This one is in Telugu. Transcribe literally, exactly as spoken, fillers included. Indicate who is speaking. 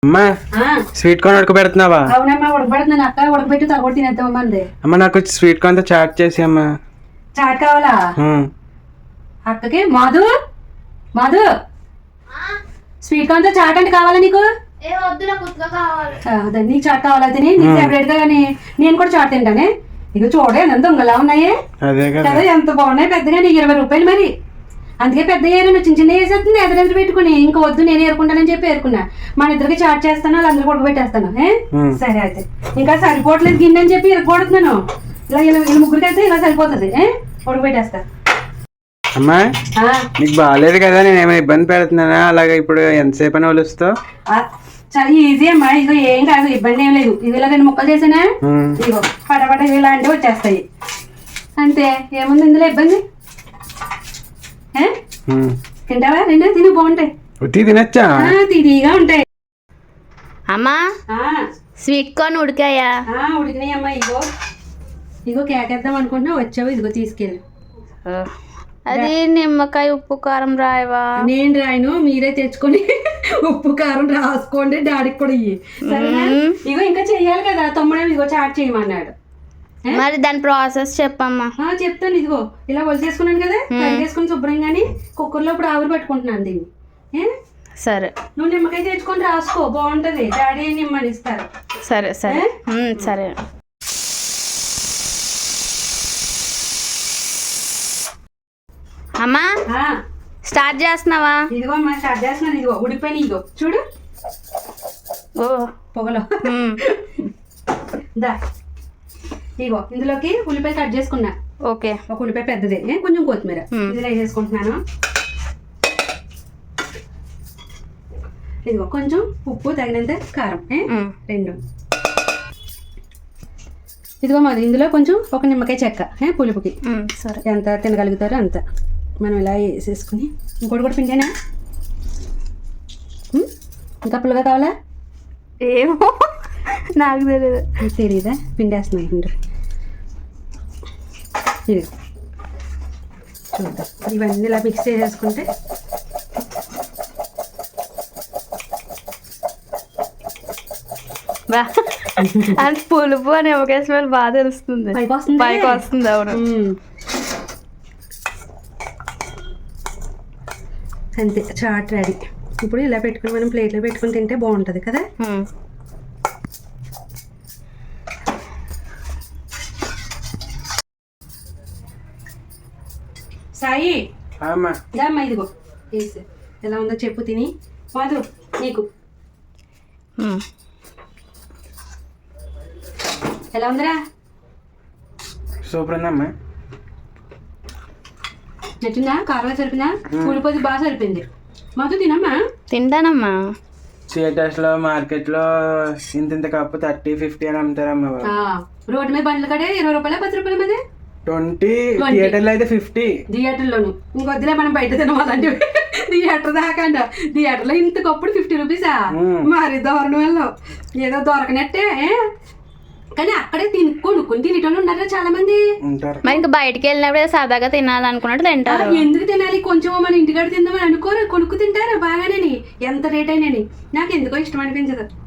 Speaker 1: అమ్మా స్వీట్ కార్న్ ఉడకబెడుతున్నావా?
Speaker 2: అవునమ్మా ఉడకబెడుతున్నాను అక్క. ఉడకబెట్టి తగ్గొట్టి తినేద్దామమ్మా అంది.
Speaker 1: అమ్మ నాకు స్వీట్ కార్న్ తో చాట్ చేసి అమ్మా.
Speaker 2: చాట్ కావాలా అక్కకి? మాధు మాధు స్వీట్ కార్న్ తో చాట్ అంటే కావాలా నీకు? అదే నీకు చాట్ కావాలా తిని నీకు ఫేవరెట్ గా. కానీ నేను కూడా చాట్ తింటానే. ఇక చూడే ఎంత దొంగలా ఉన్నాయి కదా, ఎంత బాగున్నాయి పెద్దగా. నీకు ఇరవై రూపాయలు మరి. అందుకే పెద్ద ఏరైనా చిన్న చిన్న వేసేస్తుంది ఎదురెదురు పెట్టుకుని. ఇంకా వద్దు నేను ఏరుకుంటానని చెప్పి ఏరుకున్నా. మన ఇద్దరికి చాట్ చేస్తాను, వాళ్ళందరూ ఉడకబెట్టేస్తాను. సరే అయితే ఇంకా సరిపోవట్లేదు గిన్నె అని చెప్పి ఇరగొడుతున్నాను. ఇలా ఇలా వీళ్ళ ముగ్గురికి అయితే ఇలా సరిపోతుంది. ఉడకబెట్టేస్తా.
Speaker 1: అమ్మా నీకు బాగాలేదు కదా, నేను ఏమైనా ఇబ్బంది పెడుతున్నానా? అలాగే ఇప్పుడు ఎంతసేపు అని వలుస్తావు?
Speaker 2: చాలా ఈజీ అమ్మా. ఇదిగో ఏం కాదు, ఇబ్బంది ఏం లేదు. ఇది ఇలా రెండు ముక్కలు చేసానా ఇదిగో పటపట ఇలాంటివి వచ్చేస్తాయి అంతే. ఏముంది ఇందులో ఇబ్బంది? తింటావా? రెండు తిని బాగుంటాయి.
Speaker 1: తినచ్చా?
Speaker 2: తిరిగా ఉంటాయి.
Speaker 3: అమ్మా స్వీట్ కార్న్ ఉడికాయా?
Speaker 2: ఉడికినాయి అమ్మా. ఇగో ఇగో కేకేద్దాం అనుకుంటున్నా, వచ్చావు. ఇదిగో తీసుకెళ్ళి.
Speaker 3: అది నిమ్మకాయ ఉప్పు కారం రాయవా?
Speaker 2: నేను రాయను, మీరే తెచ్చుకొని ఉప్పు కారం రాసుకోండి. డాడీకి కూడా ఇయ్యి సరేనా? ఇగో ఇంకా చెయ్యాలి కదా తమ్ముడే. ఇగో చాట్ చేయమన్నాడు.
Speaker 3: మరి దాని ప్రాసెస్ చెప్పమ్మా.
Speaker 2: చెప్తాను. ఇదిగో ఇలా వలిసేసుకున్నాను కదా, కడిగేసుకుని శుభ్రంగాని కుక్కర్లో ఇప్పుడు ఆవిరి పెట్టుకుంటున్నాను దీన్ని.
Speaker 3: సరే
Speaker 2: నువ్వు నిమ్మకాయ తెచ్చుకొని రాసుకో, బాగుంటది. డాడీ నిమ్మని ఇస్తారు.
Speaker 3: సరే సరే సరే. అమ్మా స్టార్ట్ చేస్తున్నావా?
Speaker 2: ఇదిగో అమ్మా స్టార్ట్ చేస్తున్నాను. ఇదిగో ఉడిపోయిన ఇదిగో చూడు.
Speaker 3: ఓ
Speaker 2: పొగలో దా. ఇగో ఇందులోకి ఉల్లిపాయ కట్ చేసుకున్నా.
Speaker 3: ఓకే.
Speaker 2: ఒక ఉల్లిపాయ పెద్దదే, కొంచెం కొత్తిమీర ఇందులో వేసేసుకుంటున్నాను. ఇదిగో కొంచెం ఉప్పు, తగినంత కారం రెండు. ఇదిగో మరి ఇందులో కొంచెం ఒక నిమ్మకాయ చెక్క పులుపుకి.
Speaker 3: సరే
Speaker 2: ఎంత తినగలుగుతారో అంత మనం ఇలా వేసేసుకుని. ఇంకోటి కూడా పిండేనా? ఇంకా పుల్లగా కావాలా?
Speaker 3: ఏమో నాకు తెలియదు.
Speaker 2: తెలీదా? పిండేస్తున్నాయి. పిండి ఇది చూద్దాం. ఇవన్నీ ఇలా మిక్స్ చేసేసుకుంటే
Speaker 3: బా అంటే పులుపు అని ఒకే స్మెల్ బాగా తెలుస్తుంది.
Speaker 2: పైకి వస్తుంది
Speaker 3: పైకి వస్తుంది. అవును
Speaker 2: అంతే. చాట్ రెడీ. ఇప్పుడు ఇలా పెట్టుకుని మనం ప్లేట్లో పెట్టుకుని తింటే బాగుంటుంది కదా. సాయి అమ్మా ఇదిగో వేసి ఎలా ఉందో చెప్పు తిని. మాధు నీకు ఎలా ఉందిరా?
Speaker 1: సూపర్ ఉందమ్మా.
Speaker 2: నచ్చిందా? కారంగా సరిపోయిందా? కూలిపోతే బాగా సరిపోయింది. మాధు తినమ్మా.
Speaker 3: తింటానమ్మా.
Speaker 1: థియేటర్స్ లో మార్కెట్ లో ఇంత ఇంత కప్పు థర్టీ ఫిఫ్టీ అని అమ్ముతారమ్మా.
Speaker 2: రోడ్డు మీద బండ్ల కడే ఇరవై రూపాయలు పది రూపాయల మీద
Speaker 1: ట్వంటీ. థియేటర్లో అయితే ఫిఫ్టీ.
Speaker 2: థియేటర్లోను ఇంకొద్దులే మనం బయట తినవాలంటే. థియేటర్ దాకా అంట. థియేటర్లో ఇంత కప్పుడు ఫిఫ్టీ రూపీసా? మరి దారుణం వెళ్ళావు. ఏదో దొరకనట్టే. కానీ అక్కడే తిని కొనుక్కుని తినేటోళ్ళు ఉన్నారా చాలా మంది.
Speaker 3: మరి ఇంకా బయటకి వెళ్ళినప్పుడు సరదాగా తినాలనుకున్నట్టు తింటారు.
Speaker 2: ఎందుకు తినాలి? కొంచెం మన ఇంటికాడ తిందామని అనుకోరు, కొనుక్కు తింటారు బాగానే. ఎంత రేట్ అయినా నాకు ఎందుకో ఇష్టం అనిపించదు.